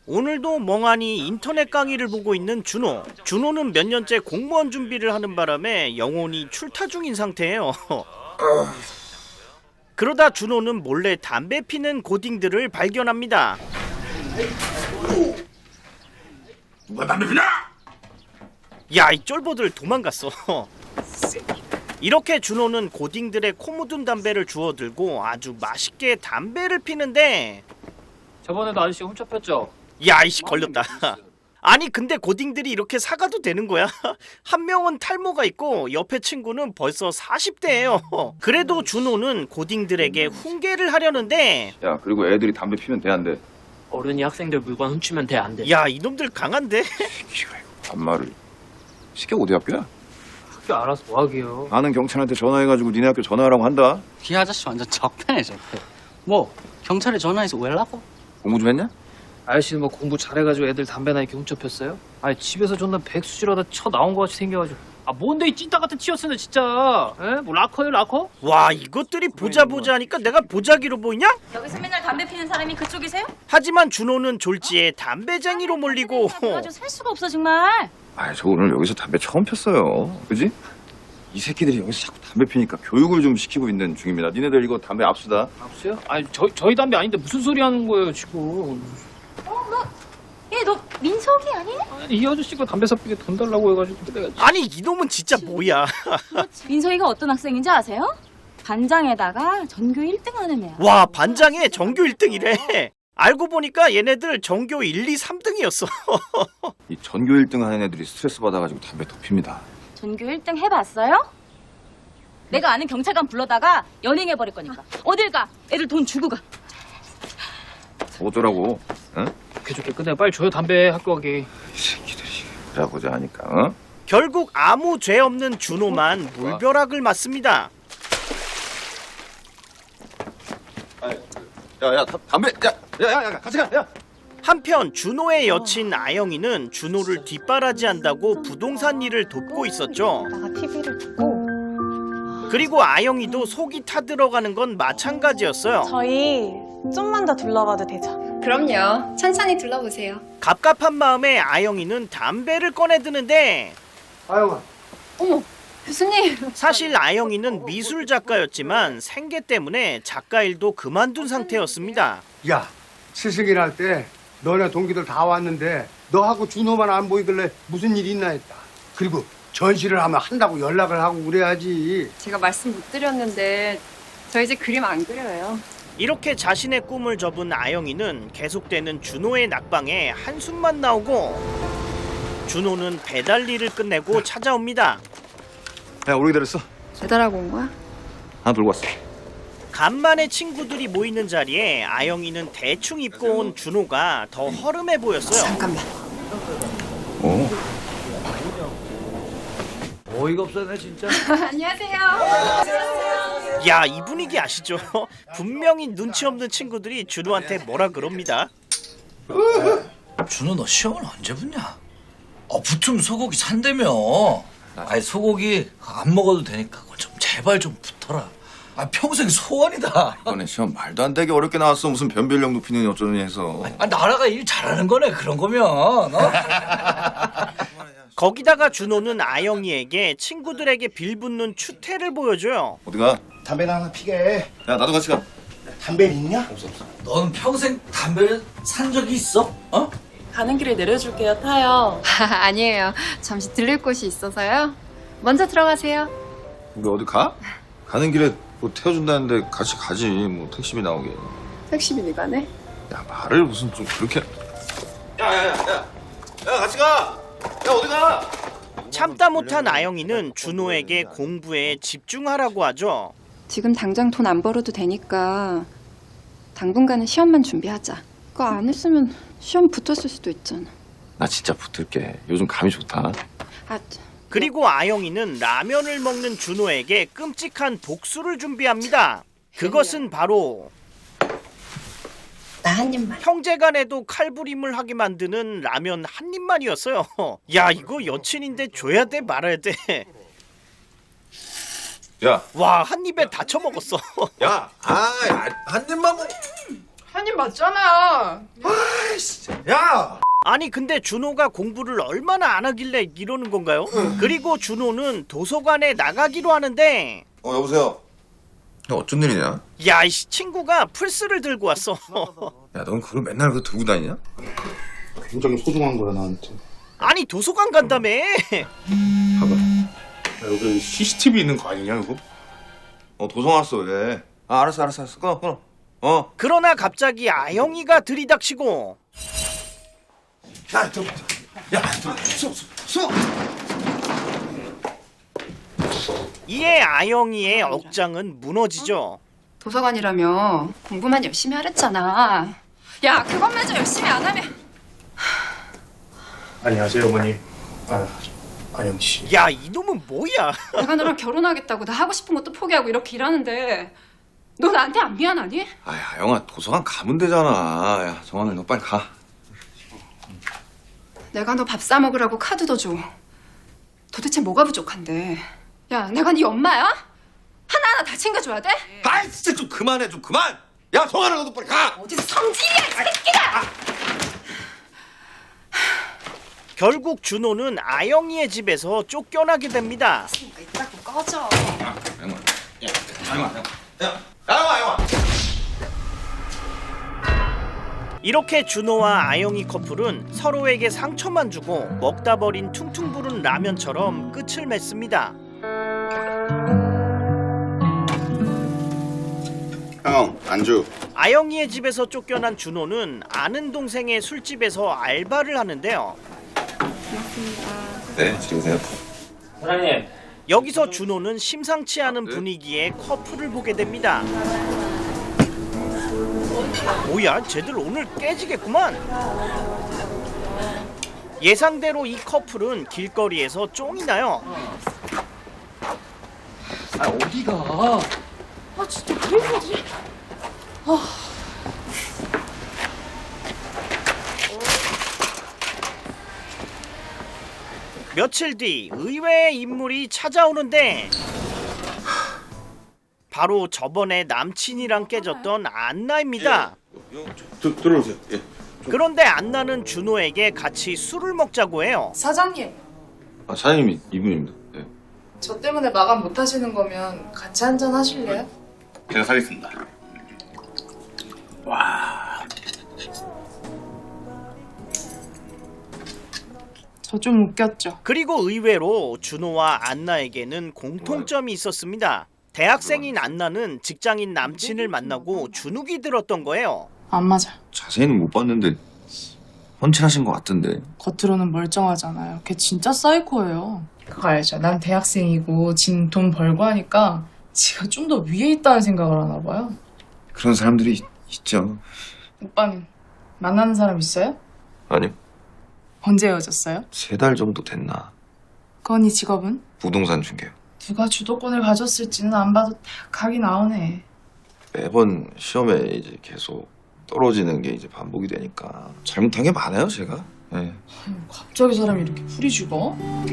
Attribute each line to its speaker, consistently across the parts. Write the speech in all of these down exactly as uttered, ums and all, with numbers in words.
Speaker 1: 오늘도 멍하니 인터넷 강의를 보고 있는 준호. 준호는 몇 년째 공무원 준비를 하는 바람에 영혼이 출타 중인 상태예요. 그러다 준호는 몰래 담배 피는 고딩들을 발견합니다.
Speaker 2: 누가 담배 피냐?
Speaker 1: 야, 이 쫄보들 도망갔어. 이렇게 준호는 고딩들의 코 묻은 담배를 주워들고 아주 맛있게 담배를 피는데,
Speaker 3: 저번에도 아저씨가 훔쳐 폈죠?
Speaker 1: 야, 이씨 걸렸다. 아니 근데 고딩들이 이렇게 사가도 되는 거야? 한 명은 탈모가 있고 옆에 친구는 벌써 사십 대예요. 그래도 준호는 고딩들에게 훈계를 하려는데,
Speaker 2: 야, 그리고 애들이 담배 피면 돼, 안 돼?
Speaker 3: 어른이 학생들 물건 훔치면 돼, 안 돼?
Speaker 1: 야, 이놈들 강한데?
Speaker 2: 반말을. 시켜 어디 학교야?
Speaker 3: 학교 알아서 뭐 하게요?
Speaker 2: 아는 경찰한테 전화해가지고 니네 학교 전화하라고 한다.
Speaker 4: 이 아저씨 완전 적폐네 적폐. 뭐 경찰에 전화해서 왜 라고?
Speaker 2: 공부 좀 했냐?
Speaker 3: 아저씨는 뭐 공부 잘해가지고 애들 담배나 이렇게 훔쳐 폈어요? 아니 집에서 존나 백수지러다 쳐 나온 것 같이 생겨가지고. 아 뭔데 이 찐따 같은 치였으네 진짜. 에? 뭐 라커요 라커?
Speaker 1: 와, 이것들이 보자 보자 하니까 내가 보자기로 보이냐?
Speaker 5: 여기서 맨날 담배 피는 사람이 그쪽이세요?
Speaker 1: 하지만 준호는 졸지에 담배쟁이로 몰리고,
Speaker 5: 가지고 살 수가 없어 정말.
Speaker 2: 아, 저 오늘 여기서 담배 처음 폈어요. 그지? 이 새끼들이 여기서 자꾸 담배 피니까 교육을 좀 시키고 있는 중입니다. 니네들 이거 담배 압수다.
Speaker 3: 압수요? 아니 저, 저희 담배 아닌데 무슨 소리 하는 거예요 지금.
Speaker 5: 얘 너 민석이 아니냐?
Speaker 3: 아니 이 아저씨가 담배 사피게 돈 달라고 해가지고 내가
Speaker 1: 아니 이놈은 진짜 뭐야?
Speaker 5: 민석이가 어떤 학생인지 아세요? 반장에다가 전교 일 등 하는 애야.
Speaker 1: 와, 반장에 전교 일 등이래. 알고 보니까 얘네들 전교 일, 이, 삼 등이었어.
Speaker 2: 이 전교 일 등 하는 애들이 스트레스 받아가지고 담배 더 핍니다.
Speaker 5: 전교 일 등 해봤어요? 내가 아는 경찰관 불러다가 연행해버릴 거니까. 어딜 가? 애들 돈 주고 가.
Speaker 2: 어쩌라고? 응?
Speaker 3: 좋게 좋게 끝내 빨리 줘요 담배 학교 가게.
Speaker 2: 이 새끼들이 보자 보자 하니까, 어?
Speaker 1: 결국 아무 죄 없는 준호만 물벼락을 맞습니다.
Speaker 2: 야, 야, 담배, 야, 야, 야, 야, 같이 가, 야.
Speaker 1: 한편 준호의 여친 아영이는 준호를 뒷바라지한다고 부동산 일을 돕고 있었죠.
Speaker 6: 나가 티비를 두고
Speaker 1: 그리고 아영이도 속이 타들어가는 건 마찬가지였어요.
Speaker 6: 저희 좀만 더 둘러봐도 되죠?
Speaker 7: 그럼요. 천천히 둘러보세요.
Speaker 1: 갑갑한 마음에 아영이는 담배를 꺼내드는데,
Speaker 8: 아영아,
Speaker 7: 어머, 교수님.
Speaker 1: 사실 아영이는 미술 작가였지만 생계 때문에 작가 일도 그만둔 상태였습니다.
Speaker 8: 야, 스승일 할 때 너네 동기들 다 왔는데 너하고 준호만 안 보이길래 무슨 일이 있나 했다. 그리고 전시를 하면 한다고 연락을 하고 그래야지.
Speaker 7: 제가 말씀 못 드렸는데 저 이제 그림 안 그려요.
Speaker 1: 이렇게 자신의 꿈을 접은 아영이는 계속되는 준호의 낙방에 한숨만 나오고, 준호는 배달 일을 끝내고 찾아옵니다.
Speaker 2: 야, 오래 기다렸어.
Speaker 7: 배달하고 온 거야?
Speaker 2: 하나 들고 왔어.
Speaker 1: 간만에 친구들이 모이는 자리에 아영이는 대충 입고 온 준호가 더 허름해 보였어요.
Speaker 7: 잠깐만.
Speaker 2: 오.
Speaker 8: 어이가 없어네 진짜.
Speaker 7: 안녕하세요.
Speaker 1: 야, 이 분위기 아시죠? 분명히 눈치 없는 친구들이 준호한테 뭐라 그럽니다.
Speaker 9: 준호 너 시험을 언제 붙냐? 어 붙으면 소고기 산다며. 아니 소고기 안 먹어도 되니까 그건 좀 제발 좀 붙어라. 아 평생 소원이다.
Speaker 2: 이번에 시험 말도 안 되게 어렵게 나왔어. 무슨 변별력 높이느니 어쩌느니 해서.
Speaker 9: 아 나라가 일 잘하는 거네 그런 거면. 어?
Speaker 1: 거기다가 준호는 아영이에게 친구들에게 빌붙는 추태를 보여줘요.
Speaker 2: 어디가?
Speaker 8: 담배나 하나 피게.
Speaker 2: 야, 나도 같이 가.
Speaker 8: 담배 있냐?
Speaker 2: 없어, 없어.
Speaker 9: 너는 평생 담배를 산 적이 있어? 어?
Speaker 6: 가는 길에 내려줄게요. 타요.
Speaker 7: 아니에요. 잠시 들릴 곳이 있어서요. 먼저 들어가세요.
Speaker 2: 우리 어디 가? 가는 길에 뭐 태워준다는데 같이 가지. 뭐 택시비 나오게.
Speaker 7: 택시비니 가네.
Speaker 2: 야, 말을 무슨 좀 그렇게. 야, 야, 야, 야, 야, 같이 가. 야, 어디 가?
Speaker 1: 참다 못한 아영이는 준호에게 공부에 집중하라고 하죠.
Speaker 10: 지금 당장 돈 안 벌어도 되니까 당분간은 시험만 준비하자. 그거 안 했으면 시험 붙었을 수도 있잖아.
Speaker 2: 나 진짜 붙을게. 요즘 감이 좋다.
Speaker 10: 아,
Speaker 1: 그리고 아영이는 라면을 먹는 준호에게 끔찍한 복수를 준비합니다. 그것은 바로
Speaker 7: 나 한 입만.
Speaker 1: 형제간에도 칼부림을 하게 만드는 라면 한 입만이었어요. 야, 이거 여친인데 줘야 돼 말아야 돼.
Speaker 2: 야,
Speaker 1: 와, 한 입에 다 처먹었어.
Speaker 2: 야, 아, 한 입만 먹.
Speaker 7: 한입 맞잖아.
Speaker 2: 야!
Speaker 1: 아니 근데 준호가 공부를 얼마나 안 하길래 이러는 건가요? 그리고 준호는 도서관에 나가기로 하는데
Speaker 2: 어 여보세요. 야 어쩐 일이냐?
Speaker 1: 야 이씨 친구가 플스를 들고 왔어.
Speaker 2: 야 넌 그걸 맨날 그 들고 다니냐?
Speaker 8: 굉장히 소중한 거야 나한테.
Speaker 1: 아니 도서관 간다며.
Speaker 2: 봐봐.
Speaker 8: 야, 여기 씨씨티비 있는 거 아니냐 이거?
Speaker 2: 어 도성 왔어 왜? 아 알았어 알았어 알았어 끊어 끊어. 어.
Speaker 1: 그러나 갑자기 아영이가 들이닥치고
Speaker 2: 야 저, 야 저, 수, 수, 수.
Speaker 1: 이에 아영이의 억장은 무너지죠.
Speaker 10: 도서관이라며 공부만 열심히 하랬잖아. 야, 그것마저 열심히 안 하면
Speaker 8: 안녕하세요 어머니. 아 아영 씨.
Speaker 1: 야 이놈은 뭐야?
Speaker 10: 내가 너랑 결혼하겠다고 나 하고 싶은 것도 포기하고 이렇게 일하는데 너 나한테 안 미안하니?
Speaker 2: 아야 영아 도서관 가면 되잖아. 야 정환을 너 빨리 가.
Speaker 10: 내가 너 밥 사 먹으라고 카드도 줘. 도대체 뭐가 부족한데? 야, 내가 네 엄마야? 하나하나 다 챙겨줘야 돼?
Speaker 2: 아이 진짜 좀 그만해 좀 그만. 야 정환아 너도 빨리 가.
Speaker 10: 어디서 성질이야, 이 새끼가!
Speaker 1: 결국 준호는 아영이의 집에서 쫓겨나게 됩니다.
Speaker 10: 그러니까 이따고 꺼져.
Speaker 2: 영아, 야 영아, 야 영아, 영아.
Speaker 1: 이렇게 준호와 아영이 커플은 서로에게 상처만 주고 먹다 버린 퉁퉁 부른 라면처럼 끝을 맺습니다.
Speaker 8: 형 안주.
Speaker 1: 아영이의 집에서 쫓겨난 준호는 아는 동생의 술집에서 알바를 하는데요.
Speaker 2: 네 지금세요.
Speaker 3: 사장님.
Speaker 1: 여기서 준호는 심상치 않은 분위기에 커플을 보게 됩니다. 뭐야, 쟤들 오늘 깨지겠구만. 예상대로 이 커플은 길거리에서 쫑이 나요.
Speaker 3: 아 어디가?
Speaker 5: 아 진짜 왜 이러지?
Speaker 1: 며칠 뒤 의외의 인물이 찾아오는데 바로 저번에 남친이랑 깨졌던 안나입니다.
Speaker 8: 들 들어오세요. 예.
Speaker 1: 그런데 안나는 준호에게 같이 술을 먹자고 해요.
Speaker 6: 사장님,
Speaker 2: 아 사장님이 이분입니다. 네.
Speaker 6: 저 때문에 마감 못 하시는 거면 같이 한잔 하실래요?
Speaker 2: 제가 사겠습니다.
Speaker 6: 저 좀 웃겼죠?
Speaker 1: 그리고 의외로 준호와 안나에게는 공통점이 있었습니다. 대학생인 안나는 직장인 남친을 만나고 주눅이 들었던 거예요.
Speaker 6: 안 맞아.
Speaker 2: 자세히는 못 봤는데 헌칠하신 것 같던데.
Speaker 6: 겉으로는 멀쩡하잖아요. 걔 진짜 사이코예요. 그거 알죠? 난 대학생이고 진 돈 벌고 하니까 지가 좀 더 위에 있다는 생각을 하나 봐요.
Speaker 2: 그런 사람들이 있, 있죠.
Speaker 6: 오빠는 만나는 사람 있어요?
Speaker 2: 아니요.
Speaker 6: 언제 헤어졌어요?
Speaker 2: 세 달 정도 됐나.
Speaker 6: 건이 직업은?
Speaker 2: 부동산 중개요.
Speaker 6: 누가 주도권을 가졌을지는 안 봐도 딱 각이 나오네.
Speaker 2: 매번 시험에 이제 계속 떨어지는 게 이제 반복이 되니까 잘못한 게 많아요 제가. 네.
Speaker 6: 갑자기 사람이 이렇게 풀이 죽어?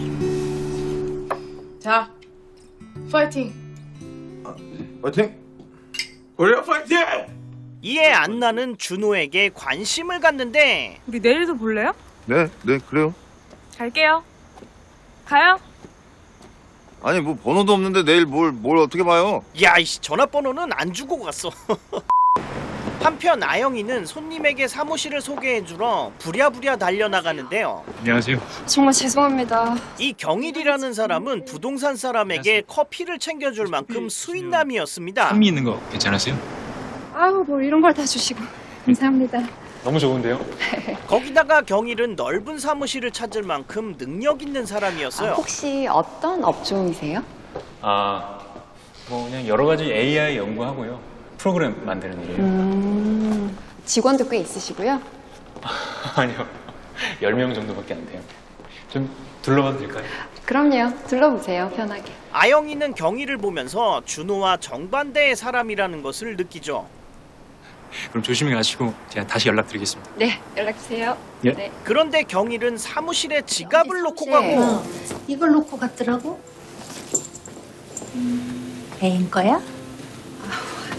Speaker 6: 자, 파이팅!
Speaker 2: 파이팅! 우리가 파이팅!
Speaker 1: 이에 안나는 준호에게 관심을 갖는데
Speaker 11: 우리 내일도 볼래요?
Speaker 2: 네, 네 그래요.
Speaker 11: 갈게요. 가요.
Speaker 2: 아니 뭐 번호도 없는데 내일 뭘 뭘 어떻게 봐요?
Speaker 1: 야 이씨 전화번호는 안 주고 갔어. 한편 아영이는 손님에게 사무실을 소개해주러 부랴부랴 달려나가는데요.
Speaker 3: 안녕하세요.
Speaker 10: 정말 죄송합니다.
Speaker 1: 이 경일이라는 사람은 부동산 사람에게 커피를 챙겨줄 만큼 수인남이었습니다.
Speaker 3: 산미 있는 거 괜찮으세요?
Speaker 10: 아우, 뭐 이런 걸 다 주시고. 감사합니다.
Speaker 3: 너무 좋은데요?
Speaker 1: 거기다가 경일은 넓은 사무실을 찾을 만큼 능력 있는 사람이었어요.
Speaker 10: 혹시 어떤 업종이세요?
Speaker 12: 아, 뭐 그냥 여러 가지 에이아이 연구하고요. 프로그램 만드는 일이에요.
Speaker 10: 음, 직원도 꽤 있으시고요.
Speaker 12: 아니요, 열 명 정도밖에 안 돼요. 좀 둘러봐도 될까요?
Speaker 10: 그럼요. 둘러보세요, 편하게.
Speaker 1: 아영이는 경일을 보면서 준호와 정반대의 사람이라는 것을 느끼죠.
Speaker 12: 그럼 조심히 가시고 제가 다시 연락드리겠습니다.
Speaker 10: 네, 연락주세요.
Speaker 12: 예.
Speaker 10: 네.
Speaker 1: 그런데 경일은 사무실에 지갑을 놓고 가고
Speaker 5: 이걸 놓고 갔더라고. 음, 애인 거야?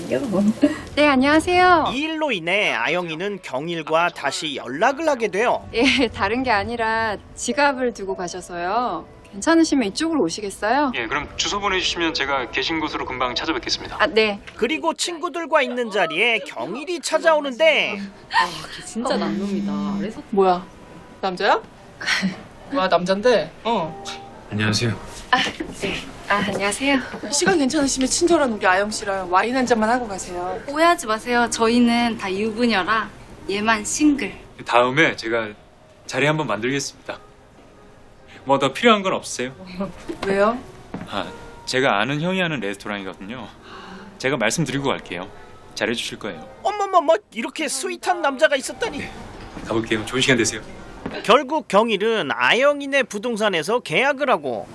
Speaker 10: 네, 안녕하세요.
Speaker 1: 이 일로 인해 아영이는 경일과 다시 연락을 하게 돼요.
Speaker 10: 예, 다른 게 아니라 지갑을 두고 가셔서요. 괜찮으시면 이쪽으로 오시겠어요?
Speaker 12: 예, 그럼 주소 보내주시면 제가 계신 곳으로 금방 찾아뵙겠습니다.
Speaker 10: 아, 네.
Speaker 1: 그리고 친구들과 있는 자리에 경일이 찾아오는데
Speaker 5: 진짜 남놈이다. 그래서
Speaker 6: 뭐야? 남자야? 뭐야, 남잔데? 어.
Speaker 12: 안녕하세요.
Speaker 10: 아, 안녕하세요.
Speaker 6: 시간 괜찮으시면 친절한 우리 아영 씨랑 와인 한 잔만 하고 가세요.
Speaker 7: 오해하지 마세요. 저희는 다 유부녀라 얘만 싱글.
Speaker 12: 다음에 제가 자리 한번 만들겠습니다. 뭐 더 필요한 건 없으세요?
Speaker 6: 왜요?
Speaker 12: 아, 제가 아는 형이 하는 레스토랑이거든요. 제가 말씀드리고 갈게요. 잘해주실 거예요.
Speaker 1: 어머머머 이렇게 스윗한 남자가 있었다니.
Speaker 12: 가볼게요. 좋은 시간 되세요.
Speaker 1: 결국 경일은 아영이네 부동산에서 계약을 하고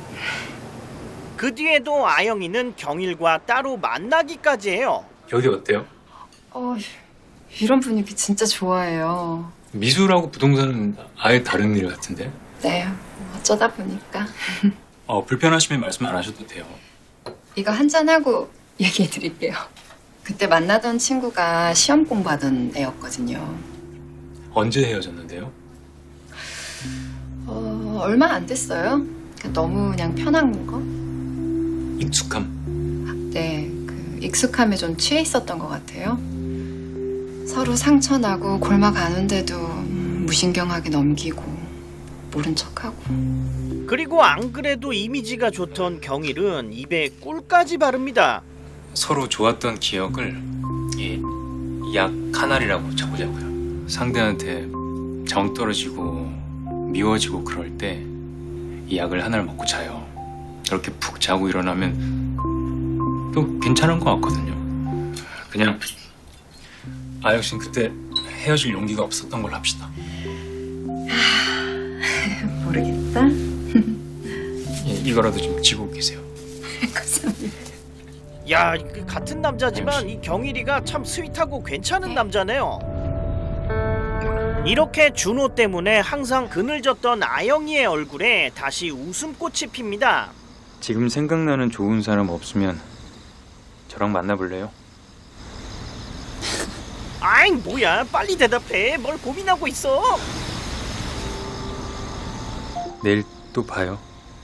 Speaker 1: 그 뒤에도 아영이는 경일과 따로 만나기까지 해요.
Speaker 12: 여기 어때요?
Speaker 10: 어, 이런 분위기 진짜 좋아해요.
Speaker 12: 미술하고 부동산은 아예 다른 일 같은데?
Speaker 10: 네, 어쩌다 보니까.
Speaker 12: 어, 불편하시면 말씀 안 하셔도 돼요.
Speaker 10: 이거 한잔하고 얘기해 드릴게요. 그때 만나던 친구가 시험 공부하던 애였거든요.
Speaker 12: 언제 헤어졌는데요?
Speaker 10: 어, 얼마 안 됐어요. 너무 그냥 편한 거?
Speaker 12: 익숙함.
Speaker 10: 네, 그 익숙함에 좀 취해 있었던 것 같아요. 서로 상처나고 골마 가는데도 음, 무신경하게 넘기고 모른 척하고.
Speaker 1: 그리고 안 그래도 이미지가 좋던 경일은 입에 꿀까지 바릅니다.
Speaker 12: 서로 좋았던 기억을 이 약 하나리라고 쳐보자고요. 상대한테 정 떨어지고 미워지고 그럴 때 이 약을 하나를 먹고 자요. 그렇게 푹 자고 일어나면 또 괜찮은 것 같거든요. 그냥 아영 씨는 그때 헤어질 용기가 없었던 걸로 합시다.
Speaker 10: 모르겠다.
Speaker 12: 예, 이거라도 좀 지고 계세요.
Speaker 1: 야, 그 같은 남자지만 이 경일이가 참 스윗하고 괜찮은 남자네요. 이렇게 준호 때문에 항상 그늘졌던 아영이의 얼굴에 다시 웃음꽃이 핍니다.
Speaker 12: 지금 생각나는 좋은 사람 없으면 저랑 만나볼래요?
Speaker 1: 아이 뭐야, 빨리 대답해. 뭘 고민하고 있어.
Speaker 12: 내일 또 봐요.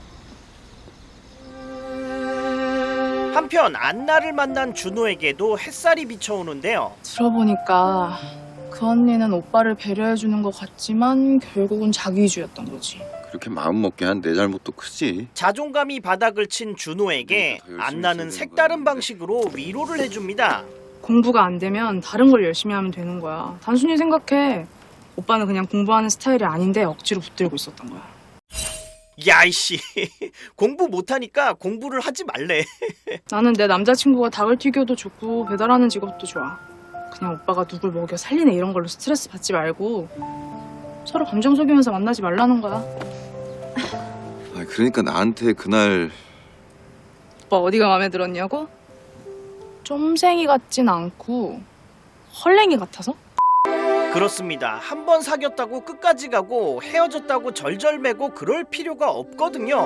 Speaker 1: 한편 안나를 만난 준호에게도 햇살이 비춰오는데요.
Speaker 6: 들어보니까 그 언니는 오빠를 배려해주는 것 같지만 결국은 자기위주였던 거지.
Speaker 2: 그렇게 마음 먹게 한 내 잘못도 크지.
Speaker 1: 자존감이 바닥을 친 준호에게
Speaker 2: 더 열심히
Speaker 1: 안나는
Speaker 2: 있어야 되는
Speaker 1: 색다른
Speaker 2: 거야.
Speaker 1: 방식으로 위로를 해줍니다.
Speaker 6: 공부가 안 되면 다른 걸 열심히 하면 되는 거야. 단순히 생각해. 오빠는 그냥 공부하는 스타일이 아닌데 억지로 붙들고 있었던 거야.
Speaker 1: 야이씨, 공부 못하니까 공부를 하지 말래.
Speaker 6: 나는 내 남자친구가 닭을 튀겨도 좋고 배달하는 직업도 좋아. 그냥 오빠가 누굴 먹여 살리네 이런 걸로 스트레스 받지 말고 서로 감정 속이면서 만나지 말라는 거야.
Speaker 2: 아, 그러니까 나한테 그날
Speaker 6: 오빠 어디가 마음에 들었냐고? 쫌생이 같진 않고 헐랭이 같아서?
Speaker 1: 그렇습니다. 한 번 사귀었다고 끝까지 가고 헤어졌다고 절절매고 그럴 필요가 없거든요.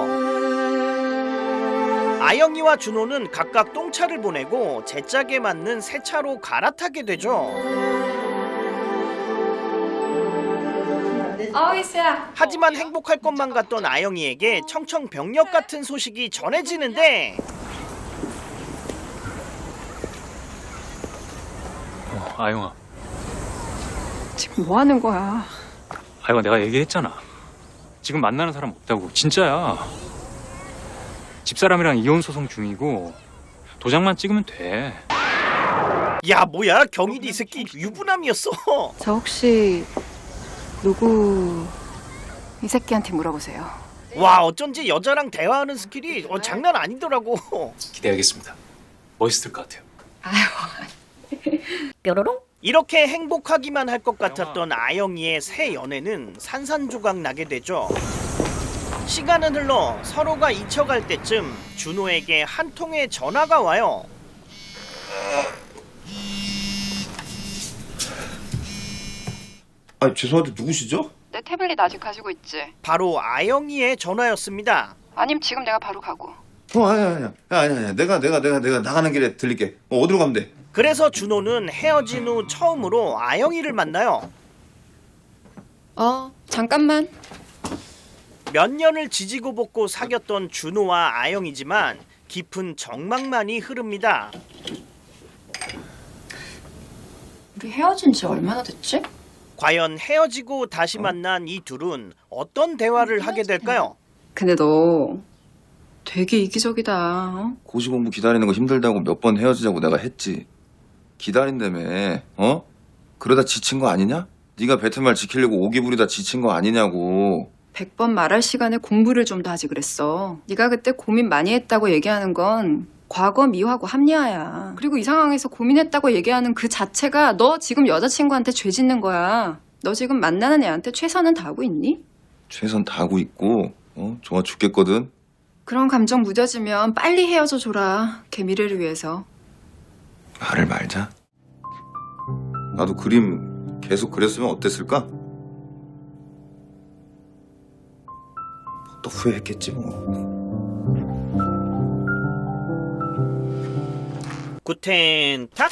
Speaker 1: 아영이와 준호는 각각 똥차를 보내고 제 짝에 맞는 새 차로 갈아타게 되죠.
Speaker 10: 어이스야.
Speaker 1: 하지만 행복할 것만 같던 아영이에게 청천벽력 같은 소식이 전해지는데
Speaker 12: 어, 아영아.
Speaker 10: 지금 뭐 하는 거야?
Speaker 12: 아영아, 내가 얘기했잖아. 지금 만나는 사람 없다고. 진짜야. 집사람이랑 이혼 소송 중이고 도장만 찍으면 돼.
Speaker 1: 야 뭐야, 경일이 이 새끼 유부남이었어.
Speaker 10: 저 혹시 누구 이 새끼한테 물어보세요.
Speaker 1: 와, 어쩐지 여자랑 대화하는 스킬이 어, 장난 아니더라고.
Speaker 12: 기대하겠습니다. 멋있을 것 같아요.
Speaker 1: 뾰로롱? 이렇게 행복하기만 할 것 같았던 아영이의 새 연애는 산산조각 나게 되죠. 시간은 흘러 서로가 잊혀갈 때쯤 준호에게 한 통의 전화가 와요.
Speaker 2: 아, 죄송한데 누구시죠?
Speaker 10: 내 태블릿 아직 가지고 있지?
Speaker 1: 바로 아영이의 전화였습니다.
Speaker 10: 아님 지금 내가 바로 가고.
Speaker 2: 어 아니야 아니야 아니야 아니야 내가 내가 내가 내가 나가는 길에 들릴게. 어, 어디로 가면 돼?
Speaker 1: 그래서 준호는 헤어진 후 처음으로 아영이를 만나요.
Speaker 10: 어, 잠깐만.
Speaker 1: 몇 년을 지지고 볶고 사귀었던 준호와 아영이지만 깊은 정막만이 흐릅니다.
Speaker 10: 우리 헤어진 지 얼마나 됐지?
Speaker 1: 과연 헤어지고 다시 만난 이 둘은 어떤 대화를 하게 될까요?
Speaker 10: 근데 너 되게 이기적이다. 어?
Speaker 2: 고시 공부 기다리는 거 힘들다고 몇 번 헤어지자고 내가 했지. 기다린다며. 어? 그러다 지친 거 아니냐? 네가 뱉은 말 지키려고 오기 부리다 지친 거 아니냐고.
Speaker 10: 백 번 말할 시간에 공부를 좀 더 하지 그랬어. 네가 그때 고민 많이 했다고 얘기하는 건 과거 미화고 합리화야. 그리고 이 상황에서 고민했다고 얘기하는 그 자체가 너 지금 여자친구한테 죄 짓는 거야. 너 지금 만나는 애한테 최선은 다하고 있니?
Speaker 2: 최선 다하고 있고 어? 좋아 죽겠거든.
Speaker 10: 그런 감정 무뎌지면 빨리 헤어져 줘라. 걔 미래를 위해서.
Speaker 2: 말을 말자. 나도 그림 계속 그렸으면 어땠을까? 또 후회했겠지 뭐.
Speaker 1: 구텐탁!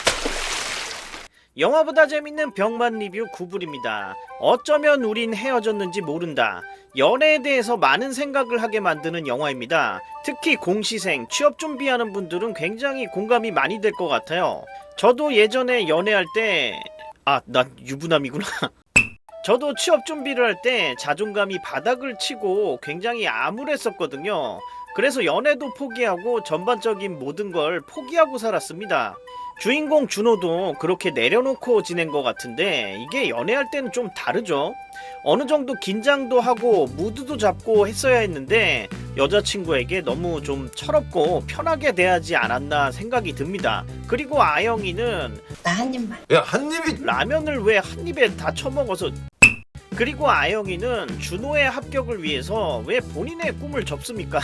Speaker 1: 영화보다 재밌는 병만 리뷰 구불입니다. 어쩌면 우린 헤어졌는지 모른다. 연애에 대해서 많은 생각을 하게 만드는 영화입니다. 특히 공시생, 취업 준비하는 분들은 굉장히 공감이 많이 될 것 같아요. 저도 예전에 연애할 때... 아, 난 유부남이구나. 저도 취업 준비를 할 때 자존감이 바닥을 치고 굉장히 암울했었거든요. 그래서 연애도 포기하고 전반적인 모든 걸 포기하고 살았습니다. 주인공 준호도 그렇게 내려놓고 지낸 것 같은데 이게 연애할 때는 좀 다르죠. 어느 정도 긴장도 하고 무드도 잡고 했어야 했는데 여자친구에게 너무 좀 철없고 편하게 대하지 않았나 생각이 듭니다. 그리고 아영이는
Speaker 10: 나 한 입만.
Speaker 2: 야, 한 입이...
Speaker 1: 라면을 왜 한 입에 다 처먹어서... 그리고 아영이는 준호의 합격을 위해서 왜 본인의 꿈을 접습니까?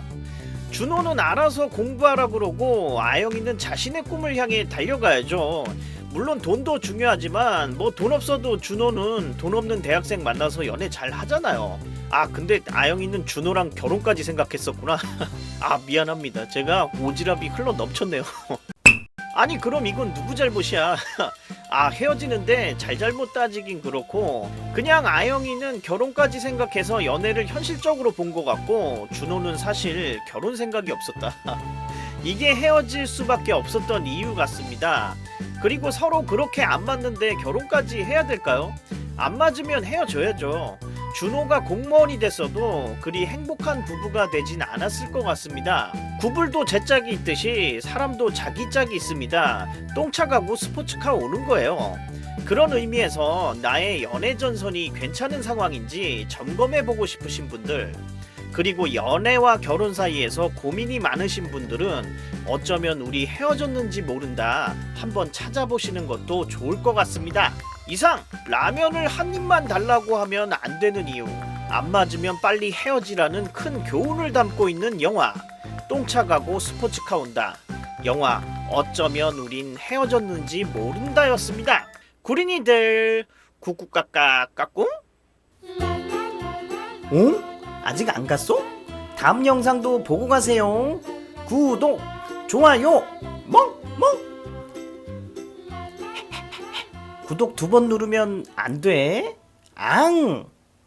Speaker 1: 준호는 알아서 공부하라 그러고 아영이는 자신의 꿈을 향해 달려가야죠. 물론 돈도 중요하지만 뭐 돈 없어도 준호는 돈 없는 대학생 만나서 연애 잘 하잖아요. 아 근데 아영이는 준호랑 결혼까지 생각했었구나. 아 미안합니다. 제가 오지랖이 흘러 넘쳤네요. 아니 그럼 이건 누구 잘못이야. 아 헤어지는데 잘잘못 따지긴 그렇고 그냥 아영이는 결혼까지 생각해서 연애를 현실적으로 본 것 같고 준호는 사실 결혼 생각이 없었다. 이게 헤어질 수밖에 없었던 이유 같습니다. 그리고 서로 그렇게 안 맞는데 결혼까지 해야 될까요? 안 맞으면 헤어져야죠. 준호가 공무원이 됐어도 그리 행복한 부부가 되진 않았을 것 같습니다. 구불도 제 짝이 있듯이 사람도 자기 짝이 있습니다. 똥차 가고 스포츠카 오는 거예요. 그런 의미에서 나의 연애 전선이 괜찮은 상황인지 점검해보고 싶으신 분들, 그리고 연애와 결혼 사이에서 고민이 많으신 분들은 어쩌면 우리 헤어졌는지 모른다 한번 찾아보시는 것도 좋을 것 같습니다. 이상 라면을 한 입만 달라고 하면 안 되는 이유, 안 맞으면 빨리 헤어지라는 큰 교훈을 담고 있는 영화 똥차 가고 스포츠카 온다. 영화 어쩌면 우린 헤어졌는지 모른다였습니다. 구린이들 꾹꾹까까 까꿍?
Speaker 13: 응? 아직 안 갔어? 다음 영상도 보고 가세요. 구독, 좋아요, 멍멍. 구독 두 번 누르면 안 돼. 앙.